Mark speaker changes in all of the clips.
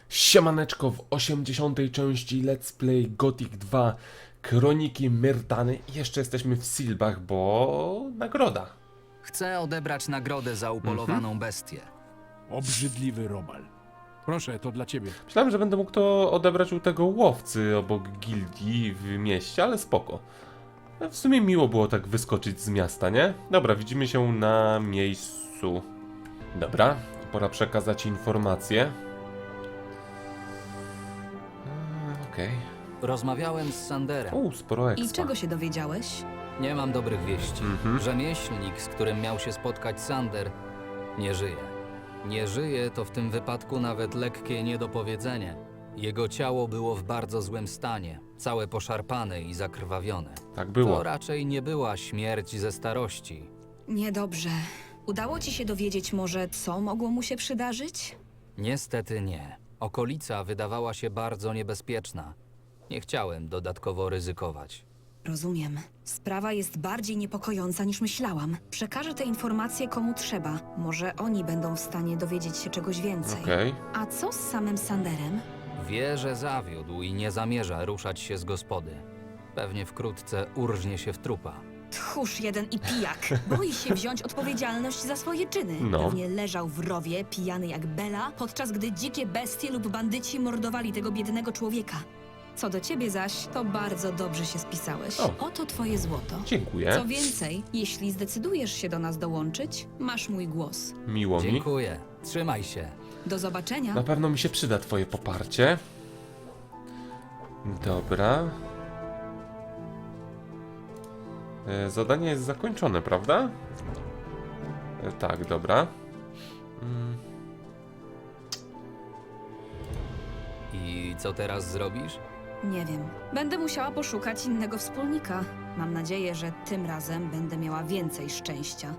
Speaker 1: Siemaneczko, w 80. części Let's Play Gothic 2 Kroniki Myrtany. Jeszcze jesteśmy w Silbach, bo nagroda.
Speaker 2: Chcę odebrać nagrodę za upolowaną bestię.
Speaker 3: Obrzydliwy robal. Proszę, to dla ciebie.
Speaker 1: Myślałem, że będę mógł to odebrać u tego łowcy obok gildii w mieście, ale spoko. W sumie miło było tak wyskoczyć z miasta, nie? Dobra, widzimy się na miejscu. Dobra, pora przekazać informacje. Okej.
Speaker 2: Rozmawiałem z Sanderem.
Speaker 1: Sporo
Speaker 4: I
Speaker 1: expa.
Speaker 4: czego się dowiedziałeś?
Speaker 2: Nie mam dobrych wieści. Rzemieślnik, z którym miał się spotkać Sander, nie żyje. Nie żyje to w tym wypadku nawet lekkie niedopowiedzenie. Jego ciało było w bardzo złym stanie, całe poszarpane i zakrwawione.
Speaker 1: Tak było.
Speaker 2: To raczej nie była śmierć ze starości.
Speaker 4: Niedobrze. Udało ci się dowiedzieć może, co mogło mu się przydarzyć?
Speaker 2: Niestety nie. Okolica wydawała się bardzo niebezpieczna. Nie chciałem dodatkowo ryzykować.
Speaker 4: Rozumiem. Sprawa jest bardziej niepokojąca niż myślałam. Przekażę te informacje komu trzeba. Może oni będą w stanie dowiedzieć się czegoś więcej.
Speaker 1: Okej.
Speaker 4: A co z samym Sanderem?
Speaker 2: Wie, że zawiódł i nie zamierza ruszać się z gospody. Pewnie wkrótce urżnie się w trupa.
Speaker 4: Tchórz jeden i pijak. Boi się wziąć odpowiedzialność za swoje czyny.
Speaker 1: No.
Speaker 4: Pewnie leżał w rowie, pijany jak Bela, podczas gdy dzikie bestie lub bandyci mordowali tego biednego człowieka. Co do ciebie zaś, to bardzo dobrze się spisałeś.
Speaker 1: O.
Speaker 4: Oto twoje złoto.
Speaker 1: Dziękuję.
Speaker 4: Co więcej, jeśli zdecydujesz się do nas dołączyć, masz mój głos.
Speaker 1: Miło mi.
Speaker 2: Dziękuję. Trzymaj się.
Speaker 4: Do zobaczenia.
Speaker 1: Na pewno mi się przyda twoje poparcie. Dobra. Zadanie jest zakończone, prawda? Tak, dobra.
Speaker 2: I co teraz zrobisz?
Speaker 4: Nie wiem. Będę musiała poszukać innego wspólnika. Mam nadzieję, że tym razem będę miała więcej szczęścia.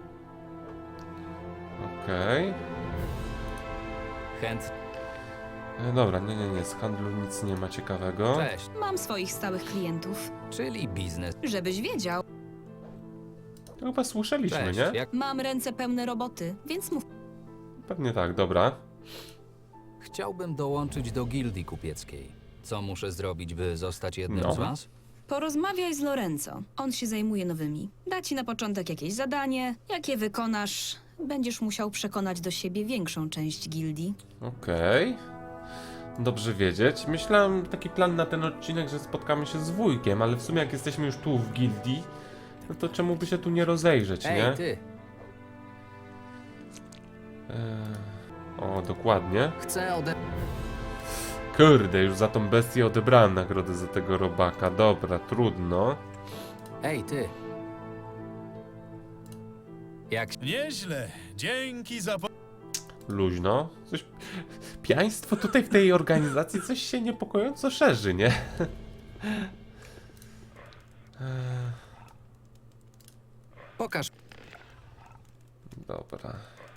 Speaker 1: Okej.
Speaker 2: Chęt.
Speaker 1: Dobra, nie. Z handlu nic nie ma ciekawego.
Speaker 2: Cześć.
Speaker 4: Mam swoich stałych klientów.
Speaker 2: Czyli biznes.
Speaker 4: Żebyś wiedział,
Speaker 1: To chyba słyszeliśmy,
Speaker 2: Cześć.
Speaker 1: nie?
Speaker 2: Jak
Speaker 4: mam ręce pełne roboty, więc mów.
Speaker 1: Pewnie tak, dobra.
Speaker 2: chciałbym dołączyć do gildii kupieckiej. Co muszę zrobić, by zostać jednym
Speaker 1: No.
Speaker 2: z was?
Speaker 4: Porozmawiaj z Lorenzo. On się zajmuje nowymi. Da ci na początek jakieś zadanie. Jak je wykonasz, będziesz musiał przekonać do siebie większą część gildii.
Speaker 1: Okej. Dobrze wiedzieć. Myślałem taki plan na ten odcinek, że spotkamy się z wujkiem, ale w sumie jak jesteśmy już tu w gildii, no to czemu by się tu nie rozejrzeć, nie?
Speaker 2: Ej, ty!
Speaker 1: O, dokładnie.
Speaker 2: Chcę ode...
Speaker 1: Kurde, już za tą bestię odebrałem nagrodę za tego robaka. Dobra, trudno.
Speaker 2: Ej, ty! Jak...
Speaker 3: Nieźle. Dzięki za...
Speaker 1: Luźno. Coś... Pijaństwo tutaj w tej organizacji coś się niepokojąco szerzy, nie?
Speaker 2: Pokaż...
Speaker 1: Dobra.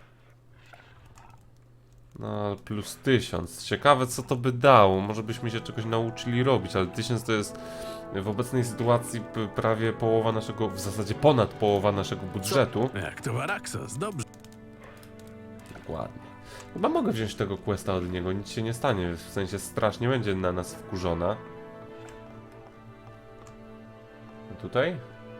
Speaker 1: No, plus 1000. Ciekawe, co to by dało. Może byśmy się czegoś nauczyli robić, ale 1000 to jest w obecnej sytuacji prawie połowa naszego, w zasadzie ponad połowa naszego budżetu.
Speaker 3: Jak to Araxos, dobrze.
Speaker 1: Dokładnie. Chyba mogę wziąć tego questa od niego, nic się nie stanie, w sensie straż nie będzie na nas wkurzona. Tutaj?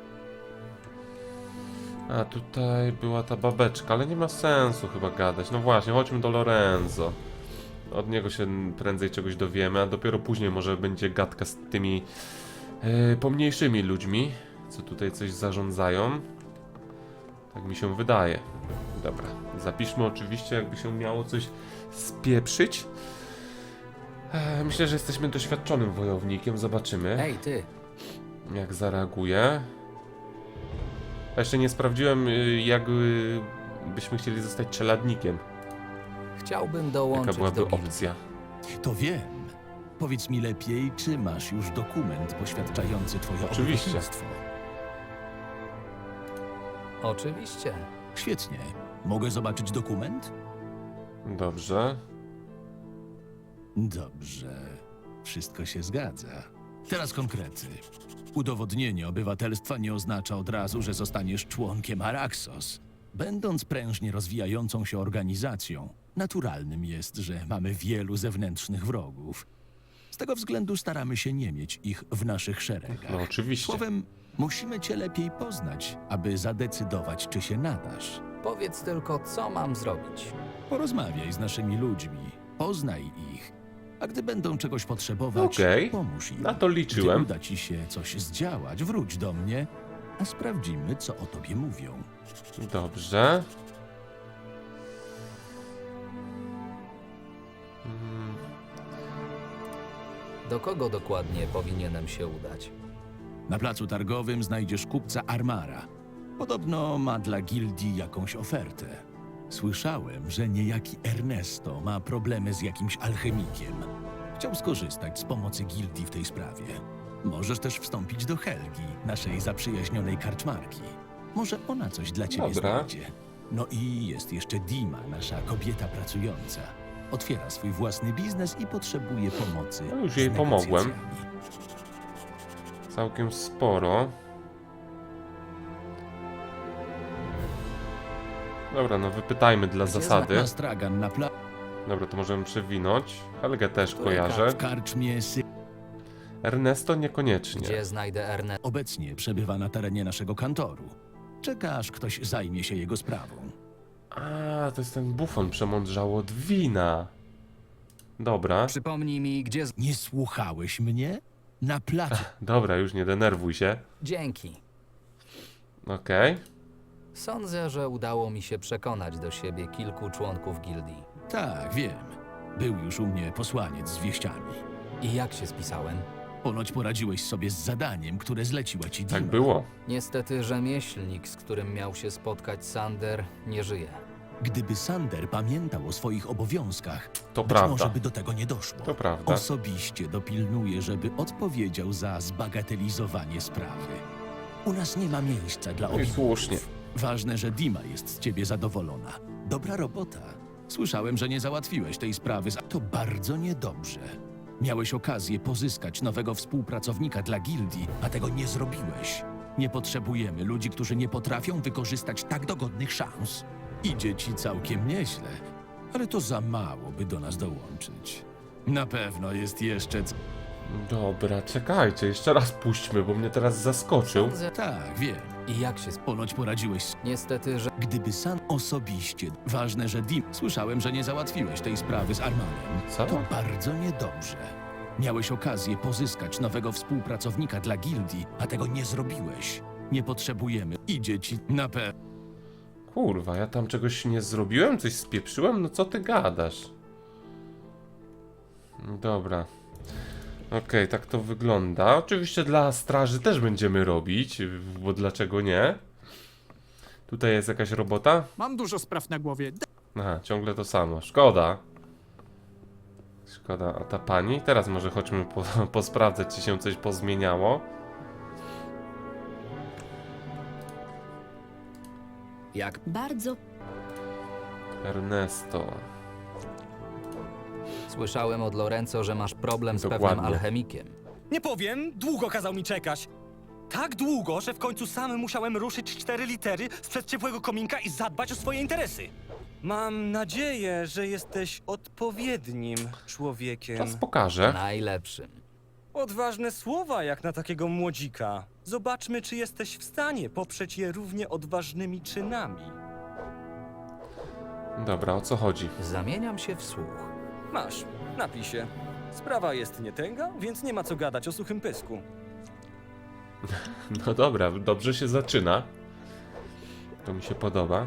Speaker 1: A tutaj była ta babeczka, ale nie ma sensu chyba gadać. No właśnie, chodźmy do Lorenzo. Od niego się prędzej czegoś dowiemy, a dopiero później może będzie gadka z tymi pomniejszymi ludźmi, co tutaj coś zarządzają. Tak mi się wydaje. Dobra, zapiszmy oczywiście, jakby się miało coś spieprzyć. Myślę, że jesteśmy doświadczonym wojownikiem, zobaczymy.
Speaker 2: Ej, ty!
Speaker 1: Jak zareaguje. A jeszcze nie sprawdziłem, jak byśmy chcieli zostać czeladnikiem.
Speaker 2: Chciałbym
Speaker 1: Jaka
Speaker 2: dołączyć
Speaker 1: byłaby
Speaker 2: do gildii.
Speaker 1: opcja.
Speaker 5: To wiem. Powiedz mi lepiej, czy masz już dokument poświadczający twoje
Speaker 1: Oczywiście.
Speaker 5: obywatelstwo?
Speaker 2: Oczywiście.
Speaker 5: Świetnie. Mogę zobaczyć dokument?
Speaker 1: Dobrze.
Speaker 5: Dobrze. Wszystko się zgadza. Teraz konkrety. Udowodnienie obywatelstwa nie oznacza od razu, że zostaniesz członkiem Araxos. Będąc prężnie rozwijającą się organizacją, naturalnym jest, że mamy wielu zewnętrznych wrogów. Z tego względu staramy się nie mieć ich w naszych szeregach.
Speaker 1: No oczywiście.
Speaker 5: Słowem, musimy cię lepiej poznać, aby zadecydować, czy się nadasz.
Speaker 2: Powiedz tylko, co mam zrobić.
Speaker 5: Porozmawiaj z naszymi ludźmi, poznaj ich, a gdy będą czegoś potrzebować,
Speaker 1: Okej,
Speaker 5: pomóż im.
Speaker 1: na to liczyłem.
Speaker 5: Gdy uda ci się coś zdziałać, wróć do mnie, a sprawdzimy, co o tobie mówią.
Speaker 1: Dobrze.
Speaker 2: Do kogo dokładnie powinienem się udać?
Speaker 5: Na placu targowym znajdziesz kupca Armara. Podobno ma dla gildii jakąś ofertę. Słyszałem, że niejaki Ernesto ma problemy z jakimś alchemikiem. Chciał skorzystać z pomocy gildii w tej sprawie. Możesz też wstąpić do Helgi, naszej zaprzyjaźnionej karczmarki. Może ona coś dla ciebie
Speaker 1: Dobra.
Speaker 5: znajdzie. No i jest jeszcze Dima, nasza kobieta pracująca. Otwiera swój własny biznes i potrzebuje pomocy.
Speaker 1: No już
Speaker 5: z
Speaker 1: jej pomogłem.
Speaker 5: negocjacjami.
Speaker 1: Całkiem sporo. Dobra, no wypytajmy dla zasady.
Speaker 5: Na stragan na placu.
Speaker 1: Dobra, to możemy przewinąć. Helgę też kojarzę.
Speaker 5: W karczmie
Speaker 1: Ernesto niekoniecznie.
Speaker 2: Gdzie znajdę Ernest?
Speaker 5: obecnie przebywa na terenie naszego kantoru. Czeka, aż ktoś zajmie się jego sprawą.
Speaker 1: A, to jest ten bufon przemądrzały od wina. Dobra,
Speaker 2: Przypomnij mi, gdzie...
Speaker 5: Nie słuchałeś mnie? Na placu.
Speaker 1: dobra, już nie denerwuj się.
Speaker 2: Dzięki.
Speaker 1: Okej.
Speaker 2: Sądzę, że udało mi się przekonać do siebie kilku członków gildii.
Speaker 5: Tak, wiem. Był już u mnie posłaniec z wieściami.
Speaker 2: I jak się spisałem?
Speaker 5: Ponoć poradziłeś sobie z zadaniem, które zleciła ci Dima.
Speaker 1: Tak było.
Speaker 2: Niestety rzemieślnik, z którym miał się spotkać Sander, nie żyje.
Speaker 5: Gdyby Sander pamiętał o swoich obowiązkach,
Speaker 1: To
Speaker 5: być
Speaker 1: prawda.
Speaker 5: może by do tego nie doszło.
Speaker 1: To prawda.
Speaker 5: Osobiście dopilnuję, żeby odpowiedział za zbagatelizowanie sprawy. U nas nie ma miejsca dla
Speaker 1: No i
Speaker 5: obibów.
Speaker 1: słusznie.
Speaker 5: Ważne, że Dima jest z ciebie zadowolona. Dobra robota. Słyszałem, że nie załatwiłeś tej sprawy. To bardzo niedobrze. Miałeś okazję pozyskać nowego współpracownika dla gildii, a tego nie zrobiłeś. Nie potrzebujemy ludzi, którzy nie potrafią wykorzystać tak dogodnych szans. Idzie ci całkiem nieźle, ale to za mało, by do nas dołączyć. Na pewno jest jeszcze...
Speaker 1: Dobra, czekajcie, jeszcze raz puśćmy, bo mnie teraz zaskoczył.
Speaker 2: Sądzę...
Speaker 5: Tak, wiem.
Speaker 2: I jak się
Speaker 5: Ponoć poradziłeś.
Speaker 2: Niestety, że...
Speaker 5: Gdyby sam osobiście... Ważne, że Dim... Słyszałem, że nie załatwiłeś tej sprawy z Armanem.
Speaker 1: Co?
Speaker 5: To bardzo niedobrze. Miałeś okazję pozyskać nowego współpracownika dla gildii, a tego nie zrobiłeś. Nie potrzebujemy. Idzie ci na pewno.
Speaker 1: Kurwa, ja tam czegoś nie zrobiłem? Coś spieprzyłem? No co ty gadasz? Dobra. Okej, tak to wygląda. Oczywiście dla straży też będziemy robić, bo dlaczego nie? Tutaj jest jakaś robota?
Speaker 3: Mam dużo spraw na głowie.
Speaker 1: Aha, ciągle to samo. Szkoda. Szkoda, a ta pani? Teraz może chodźmy posprawdzać, czy się coś pozmieniało.
Speaker 2: Jak...
Speaker 4: Bardzo
Speaker 1: Ernesto.
Speaker 2: Słyszałem od Lorenzo, że masz problem z pewnym
Speaker 1: Dokładnie.
Speaker 2: alchemikiem.
Speaker 6: Nie powiem, długo kazał mi czekać. Tak długo, że w końcu sam musiałem ruszyć 4 litery sprzed ciepłego kominka i zadbać o swoje interesy. Mam nadzieję, że jesteś odpowiednim człowiekiem.
Speaker 1: Czas pokaże.
Speaker 2: Najlepszym.
Speaker 6: Odważne słowa jak na takiego młodzika. Zobaczmy, czy jesteś w stanie poprzeć je równie odważnymi czynami.
Speaker 1: Dobra, o co chodzi?
Speaker 2: Zamieniam się w słuch.
Speaker 6: Masz, napij się. Sprawa jest nietęga, więc nie ma co gadać o suchym pysku.
Speaker 1: No dobra, dobrze się zaczyna. To mi się podoba.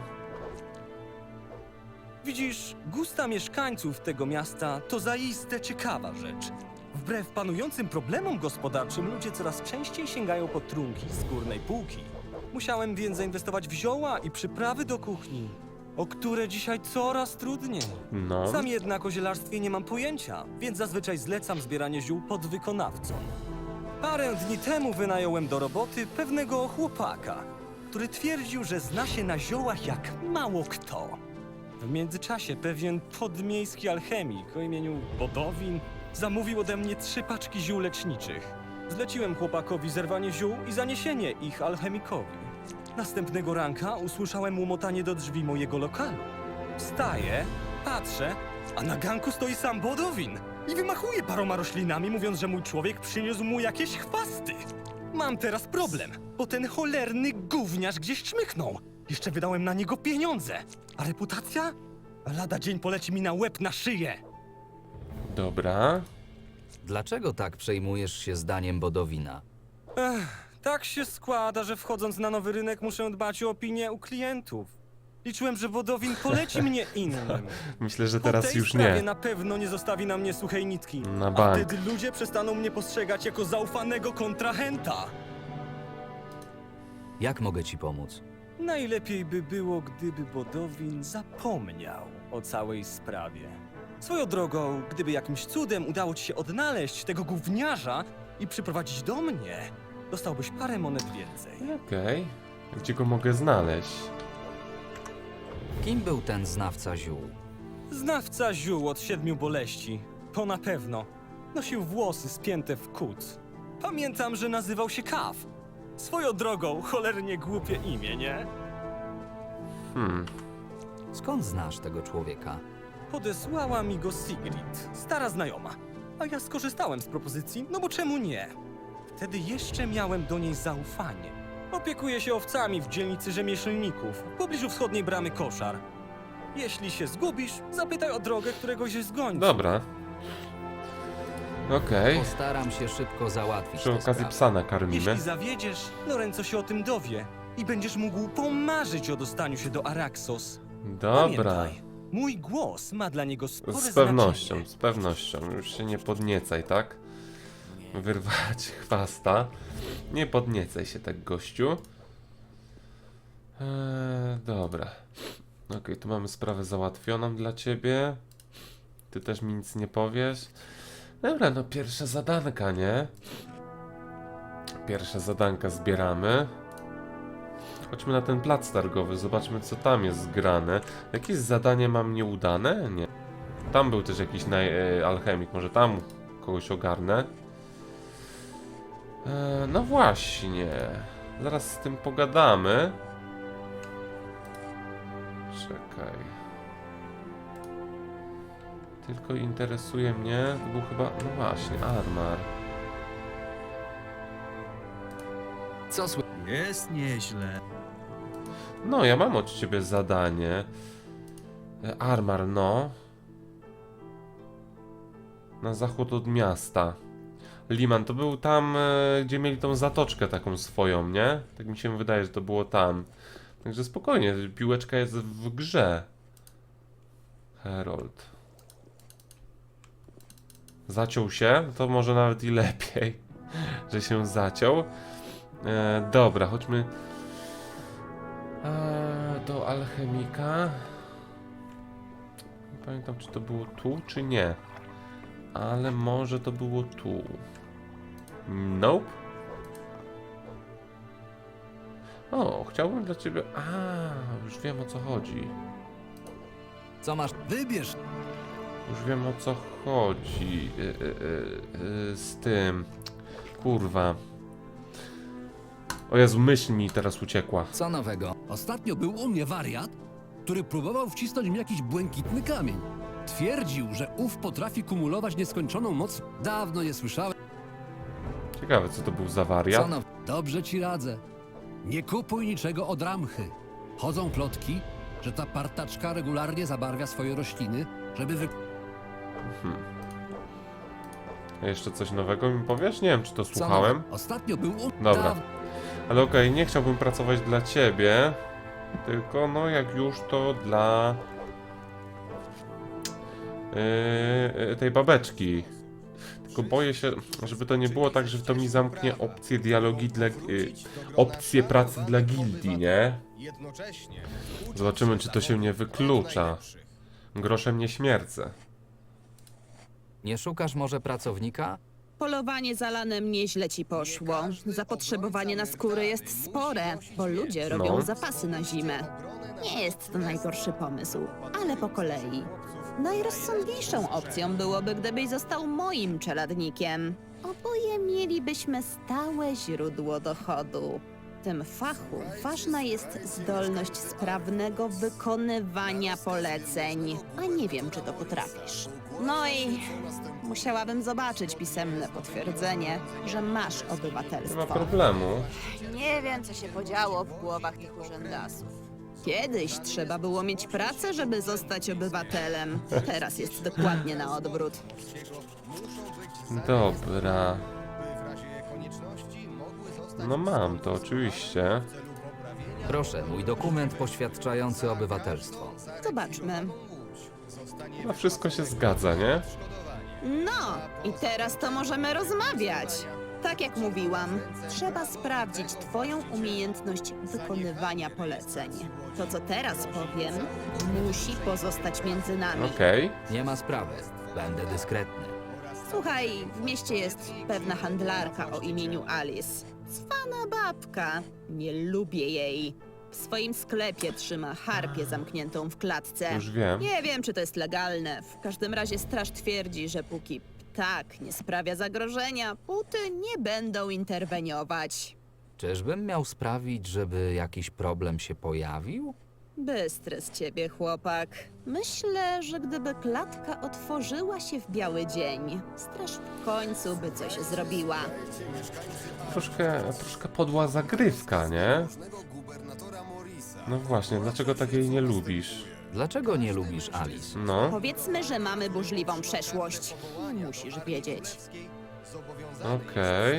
Speaker 6: Widzisz, gusta mieszkańców tego miasta to zaiste ciekawa rzecz. Wbrew panującym problemom gospodarczym ludzie coraz częściej sięgają po trunki z górnej półki. Musiałem więc zainwestować w zioła i przyprawy do kuchni, o które dzisiaj coraz trudniej.
Speaker 1: No.
Speaker 6: Sam jednak o zielarstwie nie mam pojęcia, więc zazwyczaj zlecam zbieranie ziół podwykonawcom. Parę dni temu wynająłem do roboty pewnego chłopaka, który twierdził, że zna się na ziołach jak mało kto. W międzyczasie pewien podmiejski alchemik o imieniu Bodowin zamówił ode mnie 3 paczki ziół leczniczych. Zleciłem chłopakowi zerwanie ziół i zaniesienie ich alchemikowi. Następnego ranka usłyszałem łomotanie do drzwi mojego lokalu. Wstaję, patrzę, a na ganku stoi sam Bodowin i wymachuje paroma roślinami, mówiąc, że mój człowiek przyniósł mu jakieś chwasty. Mam teraz problem, bo ten cholerny gówniarz gdzieś czmychnął. Jeszcze wydałem na niego pieniądze. A reputacja? Lada dzień poleci mi na łeb, na szyję.
Speaker 1: Dobra.
Speaker 2: Dlaczego tak przejmujesz się zdaniem Bodowina?
Speaker 6: Tak się składa, że wchodząc na nowy rynek muszę dbać o opinię u klientów. Liczyłem, że Bodowin poleci mnie innym.
Speaker 1: Myślę, że
Speaker 6: Po
Speaker 1: teraz
Speaker 6: tej
Speaker 1: już
Speaker 6: sprawie
Speaker 1: nie.
Speaker 6: na pewno nie zostawi na mnie suchej nitki.
Speaker 1: Na
Speaker 6: A
Speaker 1: bank.
Speaker 6: wtedy ludzie przestaną mnie postrzegać jako zaufanego kontrahenta.
Speaker 2: Jak mogę ci pomóc?
Speaker 6: Najlepiej by było, gdyby Bodowin zapomniał o całej sprawie. Swoją drogą, gdyby jakimś cudem udało ci się odnaleźć tego gówniarza i przyprowadzić do mnie, dostałbyś parę monet więcej.
Speaker 1: Okej. Gdzie go mogę znaleźć?
Speaker 2: Kim był ten znawca ziół?
Speaker 6: Znawca ziół od 7 boleści. To na pewno. Nosił włosy spięte w kuc. Pamiętam, że nazywał się Kaw. Swoją drogą, cholernie głupie imię, nie?
Speaker 2: Skąd znasz tego człowieka?
Speaker 6: Podesłała mi go Sigrid, stara znajoma. A ja skorzystałem z propozycji, no bo czemu nie? Wtedy jeszcze miałem do niej zaufanie. Opiekuje się owcami w dzielnicy rzemieślników, w pobliżu wschodniej bramy Koszar. Jeśli się zgubisz, zapytaj o drogę któregoś z gońców.
Speaker 1: Dobra. Okej.
Speaker 2: Postaram się szybko załatwić
Speaker 1: Przy
Speaker 2: tę
Speaker 1: okazji
Speaker 2: sprawę.
Speaker 1: psa nakarmimy.
Speaker 6: Jeśli zawiedziesz, Lorenzo się o tym dowie i będziesz mógł pomarzyć o dostaniu się do Araxos.
Speaker 1: Dobra.
Speaker 6: Pamiętaj, mój głos ma dla niego spore
Speaker 1: Z pewnością,
Speaker 6: znaczenie.
Speaker 1: z pewnością. Już się nie podniecaj, tak? Wyrwać chwasta. Nie podniecaj się tak, gościu. Dobra. Okej, tu mamy sprawę załatwioną dla ciebie. Ty też mi nic nie powiesz. Dobra, no pierwsza zadanka, nie? Pierwsza zadanka zbieramy. Chodźmy na ten plac targowy, zobaczmy co tam jest zgrane. Jakieś zadanie mam nieudane? Nie. Tam był też jakiś alchemik, może tam kogoś ogarnę. No właśnie. Zaraz z tym pogadamy. Czekaj. Tylko interesuje mnie, to był chyba, no właśnie, Armar.
Speaker 2: Co sły...
Speaker 7: Jest nieźle.
Speaker 1: No, ja mam od ciebie zadanie. Armar, no. Na zachód od miasta. Liman, to był tam, gdzie mieli tą zatoczkę taką swoją, nie? Tak mi się wydaje, że to było tam. Także spokojnie, piłeczka jest w grze. Herold. Zaciął się? To może nawet i lepiej, że się zaciął. Dobra, chodźmy do alchemika. Nie pamiętam, czy to było tu, czy nie. Ale może to było tu. Nope. O, chciałbym dla ciebie... już wiem, o co chodzi.
Speaker 2: Co masz?
Speaker 7: Wybierz.
Speaker 1: Już wiem, o co chodzi. Z tym... Kurwa. O Jezu, myśl mi teraz uciekła.
Speaker 2: Co nowego?
Speaker 3: Ostatnio był u mnie wariat, który próbował wcisnąć mi jakiś błękitny kamień. Twierdził, że ów potrafi kumulować nieskończoną moc. Dawno nie słyszałem.
Speaker 1: Ciekawe, co to był za
Speaker 2: Co
Speaker 1: wariat.
Speaker 2: now...
Speaker 3: Dobrze ci radzę. Nie kupuj niczego od Ramchy. Chodzą plotki, że ta partaczka regularnie zabarwia swoje rośliny, żeby
Speaker 1: A jeszcze coś nowego mi powiesz? Nie wiem, czy to słuchałem.
Speaker 3: Ostatnio był u...
Speaker 1: Dobra. Ale okej, nie chciałbym pracować dla ciebie. Tylko, no jak już, to dla... tej babeczki. Tylko boję się, żeby to nie było tak, że to mi zamknie opcję dialogi dla... opcję pracy dla gildii, nie? Zobaczymy, czy to się nie wyklucza. Groszem nie śmiercę.
Speaker 2: Nie szukasz może pracownika?
Speaker 8: Polowanie za lanem nieźle ci poszło. Zapotrzebowanie na skóry jest spore, bo ludzie robią
Speaker 1: No.
Speaker 8: zapasy na zimę. Nie jest to najgorszy pomysł, ale po kolei. Najrozsądniejszą opcją byłoby, gdybyś został moim czeladnikiem. Oboje mielibyśmy stałe źródło dochodu. tym fachu ważna jest zdolność sprawnego wykonywania poleceń. A nie wiem, czy to potrafisz. No i musiałabym zobaczyć pisemne potwierdzenie, że masz
Speaker 1: Nie ma
Speaker 8: obywatelstwo.
Speaker 1: problemu.
Speaker 8: Nie wiem, co się podziało w głowach tych urzędasów. Kiedyś trzeba było mieć pracę, żeby zostać obywatelem. Teraz jest dokładnie na odwrót.
Speaker 1: Dobra. No mam to oczywiście.
Speaker 2: Proszę, mój dokument poświadczający obywatelstwo.
Speaker 8: Zobaczmy.
Speaker 1: No wszystko się zgadza, nie?
Speaker 8: No, i teraz to możemy rozmawiać. Tak jak mówiłam, trzeba sprawdzić twoją umiejętność wykonywania poleceń. To, co teraz powiem, musi pozostać między nami.
Speaker 1: Okej.
Speaker 2: Nie ma sprawy. Będę dyskretny.
Speaker 8: Słuchaj, w mieście jest pewna handlarka o imieniu Alice. Cwana babka. Nie lubię jej. W swoim sklepie trzyma harpię zamkniętą w klatce.
Speaker 1: Już wiem.
Speaker 8: Nie wiem, czy to jest legalne. W każdym razie straż twierdzi, że póki ptak nie sprawia zagrożenia, puty nie będą interweniować.
Speaker 2: Czyżbym miał sprawić, żeby jakiś problem się pojawił?
Speaker 8: Bystry z ciebie, chłopak. Myślę, że gdyby klatka otworzyła się w biały dzień, straż w końcu by coś zrobiła.
Speaker 1: Troszkę podła zagrywka, nie? No właśnie, dlaczego tak jej nie lubisz?
Speaker 2: Dlaczego nie lubisz Alice?
Speaker 1: No,
Speaker 8: Powiedzmy, że mamy burzliwą przeszłość. Musisz wiedzieć.
Speaker 1: okej.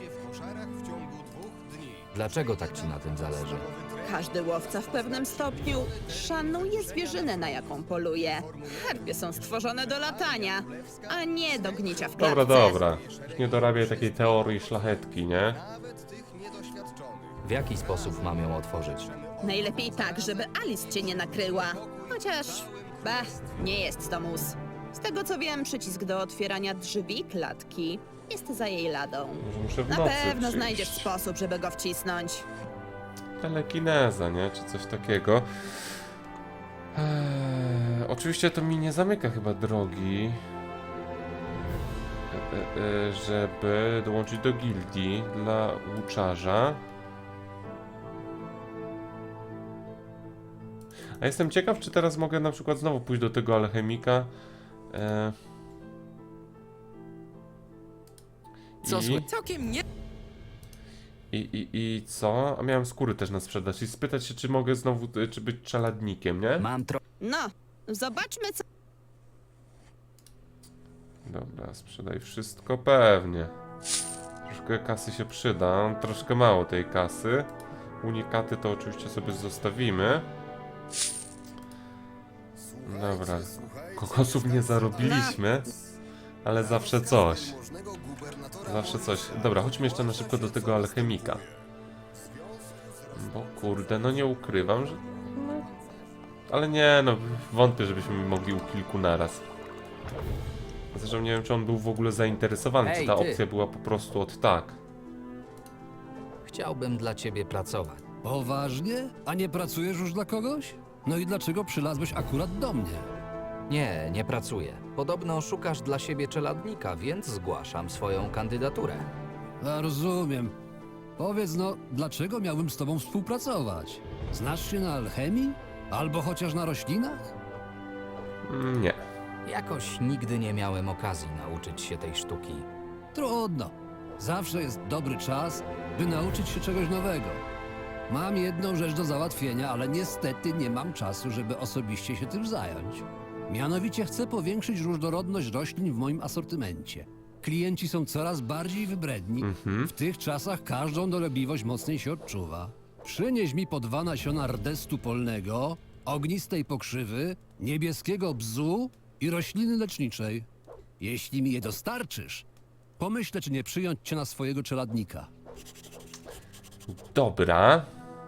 Speaker 2: Dlaczego tak ci na tym zależy?
Speaker 8: Każdy łowca w pewnym stopniu szanuje zwierzynę, na jaką poluje. Harpie są stworzone do latania, a nie do gnicia w klatce.
Speaker 1: Dobra. Już nie dorabiaj takiej teorii szlachetki, nie?
Speaker 2: W jaki sposób mam ją otworzyć?
Speaker 8: Najlepiej tak, żeby Alice cię nie nakryła. Chociaż, nie jest to mus. Z tego co wiem, przycisk do otwierania drzwi klatki jest za jej ladą.
Speaker 1: Może muszę w
Speaker 8: Na
Speaker 1: nocy
Speaker 8: pewno
Speaker 1: przyjść.
Speaker 8: znajdziesz sposób, żeby go wcisnąć.
Speaker 1: Telekineza, nie? Czy coś takiego. Oczywiście to mi nie zamyka chyba drogi, żeby dołączyć do gildii dla łuczarza. A jestem ciekaw, czy teraz mogę na przykład znowu pójść do tego alchemika. I co? A miałem skóry też na sprzedaż i spytać się, czy mogę znowu, czy być czeladnikiem, nie?
Speaker 2: Mam
Speaker 8: No, zobaczmy co...
Speaker 1: Dobra, sprzedaj wszystko, pewnie. Troszkę kasy się przyda, troszkę mało tej kasy. Unikaty to oczywiście sobie zostawimy. Dobra, kokosów nie zarobiliśmy, ale zawsze coś. Zawsze coś. Dobra, chodźmy jeszcze na szybko do tego alchemika. Bo kurde, no nie ukrywam, że... No, ale nie, no wątpię, żebyśmy mogli u kilku naraz. Zresztą nie wiem, czy on był w ogóle zainteresowany, czy
Speaker 2: Ej,
Speaker 1: ta
Speaker 2: ty.
Speaker 1: opcja była po prostu od tak.
Speaker 2: Chciałbym dla ciebie pracować.
Speaker 3: Poważnie? A nie pracujesz już dla kogoś? No i dlaczego przylazłeś akurat do mnie?
Speaker 2: Nie, nie pracuję. Podobno szukasz dla siebie czeladnika, więc zgłaszam swoją kandydaturę.
Speaker 3: A rozumiem. Powiedz no, dlaczego miałbym z tobą współpracować? Znasz się na alchemii? Albo chociaż na roślinach?
Speaker 1: Nie.
Speaker 2: Jakoś nigdy nie miałem okazji nauczyć się tej sztuki.
Speaker 3: Trudno. Zawsze jest dobry czas, by nauczyć się czegoś nowego. Mam jedną rzecz do załatwienia, ale niestety nie mam czasu, żeby osobiście się tym zająć. Mianowicie chcę powiększyć różnorodność roślin w moim asortymencie. Klienci są coraz bardziej wybredni. W tych czasach każdą dolegliwość mocniej się odczuwa. Przynieś mi po 2 nasiona rdestu polnego, ognistej pokrzywy, niebieskiego bzu i rośliny leczniczej. Jeśli mi je dostarczysz, pomyślę, czy nie przyjąć cię na swojego czeladnika.
Speaker 1: Dobra.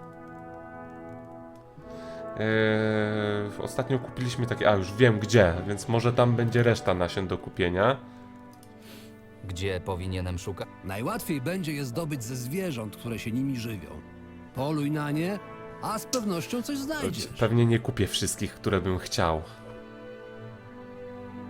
Speaker 1: Ostatnio kupiliśmy takie... A, już wiem gdzie, więc może tam będzie reszta nasion do kupienia.
Speaker 2: Gdzie powinienem szukać?
Speaker 3: Najłatwiej będzie je zdobyć ze zwierząt, które się nimi żywią. Poluj na nie, a z pewnością coś znajdziesz.
Speaker 1: Pewnie nie kupię wszystkich, które bym chciał.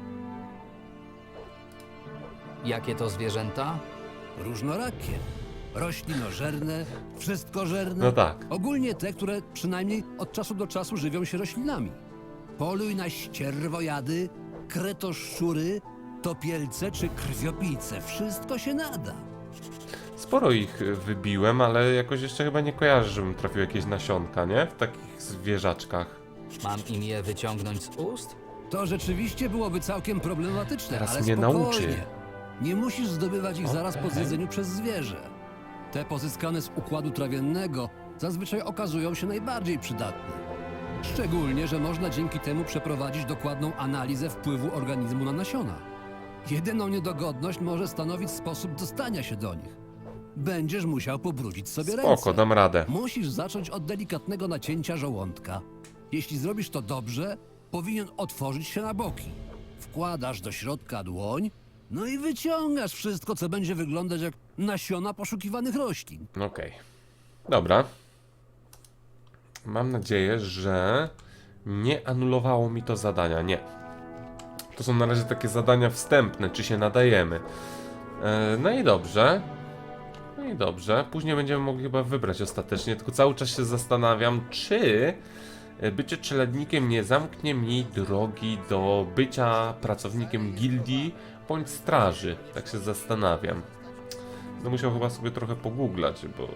Speaker 2: Jakie to zwierzęta?
Speaker 3: Różnorakie. roślinożerne, wszystkożerne.
Speaker 1: No tak.
Speaker 3: Ogólnie te, które przynajmniej od czasu do czasu żywią się roślinami. Poluj na ścierwojady, kretoszczury, topielce czy krwiopijce. Wszystko się nada.
Speaker 1: Sporo ich wybiłem, ale jakoś jeszcze chyba nie kojarzę, żebym trafił jakieś nasionka, nie? W takich zwierzaczkach.
Speaker 2: Mam im je wyciągnąć z ust?
Speaker 3: To rzeczywiście byłoby całkiem problematyczne,
Speaker 1: Teraz
Speaker 3: ale
Speaker 1: mnie
Speaker 3: spokojnie.
Speaker 1: nauczy.
Speaker 3: Nie musisz zdobywać ich zaraz po
Speaker 1: Okej.
Speaker 3: zjedzeniu przez zwierzę. Te pozyskane z układu trawiennego zazwyczaj okazują się najbardziej przydatne. Szczególnie, że można dzięki temu przeprowadzić dokładną analizę wpływu organizmu na nasiona. Jedyną niedogodność może stanowić sposób dostania się do nich. Będziesz musiał pobrudzić sobie ręce.
Speaker 1: Spoko, dam radę.
Speaker 3: Musisz zacząć od delikatnego nacięcia żołądka. Jeśli zrobisz to dobrze, powinien otworzyć się na boki. Wkładasz do środka dłoń, no i wyciągasz wszystko, co będzie wyglądać jak nasiona poszukiwanych roślin.
Speaker 1: Okej. Dobra. Mam nadzieję, że nie anulowało mi to zadania. Nie. To są na razie takie zadania wstępne, czy się nadajemy. No i dobrze. No i dobrze. Później będziemy mogli chyba wybrać ostatecznie, tylko cały czas się zastanawiam, czy bycie czeladnikiem nie zamknie mi drogi do bycia pracownikiem gildii bądź straży. Tak się zastanawiam. No musiał chyba sobie trochę pogooglać, bo...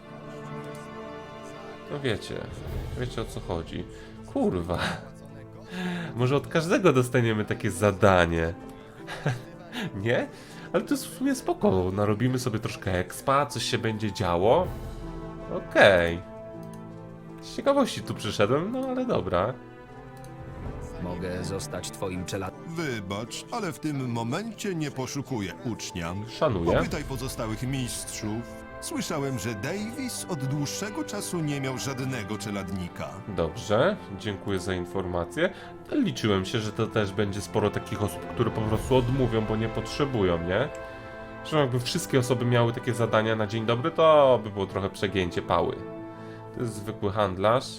Speaker 1: No wiecie o co chodzi. Kurwa. Może od każdego dostaniemy takie zadanie. Nie? Ale to jest w sumie spoko. Narobimy sobie troszkę expa, coś się będzie działo. Okej. Z ciekawości tu przyszedłem, no ale dobra.
Speaker 2: Mogę zostać twoim czeladnikiem.
Speaker 7: Wybacz, ale w tym momencie nie poszukuję ucznia.
Speaker 1: Szanuję.
Speaker 7: Popytaj pozostałych mistrzów. Słyszałem, że Davis od dłuższego czasu nie miał żadnego czeladnika.
Speaker 1: Dobrze, dziękuję za informację. Liczyłem się, że to też będzie sporo takich osób, które po prostu odmówią, bo nie potrzebują, nie? Że jakby wszystkie osoby miały takie zadania na dzień dobry, to by było trochę przegięcie pały. To jest zwykły handlarz.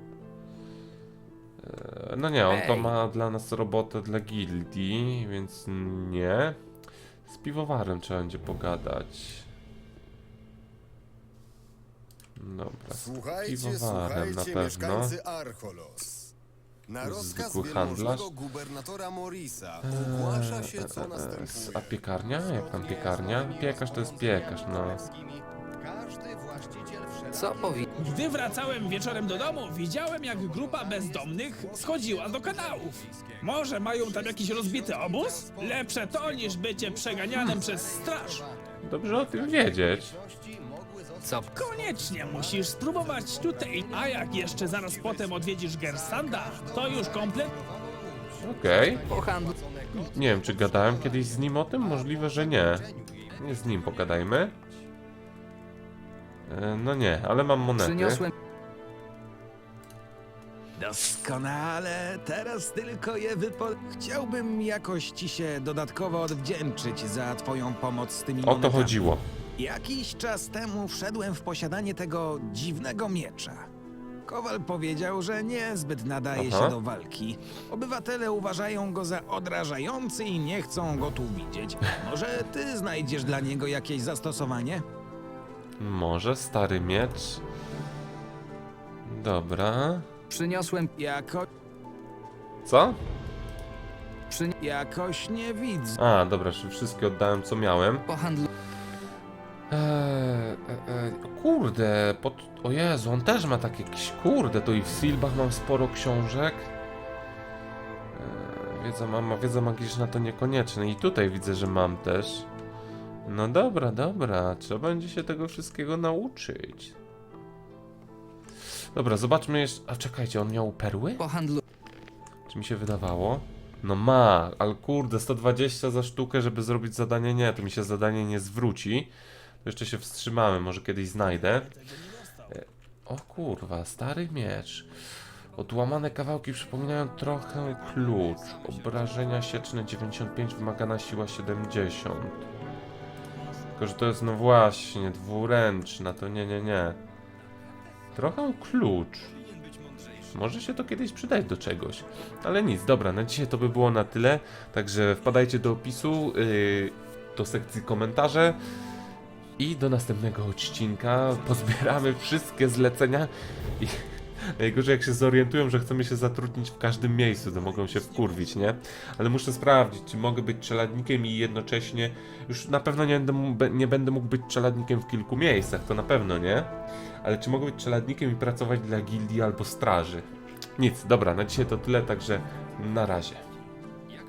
Speaker 1: No nie, on to ma dla nas robotę dla gildii, więc nie. Z piwowarem trzeba będzie pogadać. Dobra, z piwowarem na pewno.
Speaker 9: mieszkańcy Archolos. Na rozkaz
Speaker 1: Zwykły handlarz.
Speaker 9: wielmożnego gubernatora Morisa ogłasza się, co następuje.
Speaker 1: A piekarnia? Jak tam piekarnia? Piekarz to jest piekarz, no.
Speaker 9: Każdy właściciel
Speaker 2: Co powi...
Speaker 10: Gdy wracałem wieczorem do domu, widziałem, jak grupa bezdomnych schodziła do kanałów. Może mają tam jakiś rozbity obóz? Lepsze to, niż bycie przeganianym przez straż.
Speaker 1: Dobrze o tym wiedzieć.
Speaker 2: Co?
Speaker 10: Koniecznie musisz spróbować tutaj. A jak jeszcze zaraz potem odwiedzisz Gersanda, to już komplet...
Speaker 1: Okej.
Speaker 2: Po handlu...
Speaker 1: Nie wiem, czy gadałem kiedyś z nim o tym? Możliwe, że nie. Nie z nim pogadajmy. No nie, ale mam monety.
Speaker 2: Przyniosłem...
Speaker 11: Doskonale, teraz tylko je Chciałbym jakoś ci się dodatkowo odwdzięczyć za twoją pomoc z tymi
Speaker 1: O to
Speaker 11: monetami.
Speaker 1: chodziło.
Speaker 11: Jakiś czas temu wszedłem w posiadanie tego dziwnego miecza. Kowal powiedział, że niezbyt nadaje
Speaker 1: Aha.
Speaker 11: się do walki. Obywatele uważają go za odrażający i nie chcą go tu widzieć. Może ty znajdziesz dla niego jakieś zastosowanie?
Speaker 1: Może stary miecz. Dobra.
Speaker 2: Przyniosłem...
Speaker 1: Co?
Speaker 11: Jakoś nie widzę.
Speaker 1: A, dobra, czyli wszystkie oddałem, co miałem.
Speaker 2: Po handlu...
Speaker 1: Kurde, o Jezu, on też ma takie jakieś... Kurde, to i w Silbach mam sporo książek. Wiedza magiczna to niekonieczne. I tutaj widzę, że mam też. No dobra, dobra. Trzeba będzie się tego wszystkiego nauczyć. Dobra, zobaczmy jeszcze... A czekajcie, on miał perły?
Speaker 2: Po handlu...
Speaker 1: Czy mi się wydawało? No ma, ale kurde, 120 za sztukę, żeby zrobić zadanie. Nie, to mi się zadanie nie zwróci. To jeszcze się wstrzymamy, może kiedyś znajdę. O kurwa, stary miecz. Odłamane kawałki przypominają trochę klucz. Obrażenia sieczne 95, wymagana siła 70. Tylko, że to jest no właśnie, dwuręczna, to nie. Trochę klucz. Może się to kiedyś przydać do czegoś. Ale nic, dobra, na dzisiaj to by było na tyle. Także wpadajcie do opisu, do sekcji komentarze. I do następnego odcinka pozbieramy wszystkie zlecenia i najgorzej jak się zorientują, że chcemy się zatrudnić w każdym miejscu, to mogą się wkurwić, nie? Ale muszę sprawdzić, czy mogę być czeladnikiem i jednocześnie już na pewno nie będę mógł być czeladnikiem w kilku miejscach, to na pewno nie. Ale czy mogę być czeladnikiem i pracować dla gildii albo straży? Nic, dobra, na dzisiaj to tyle, także na razie.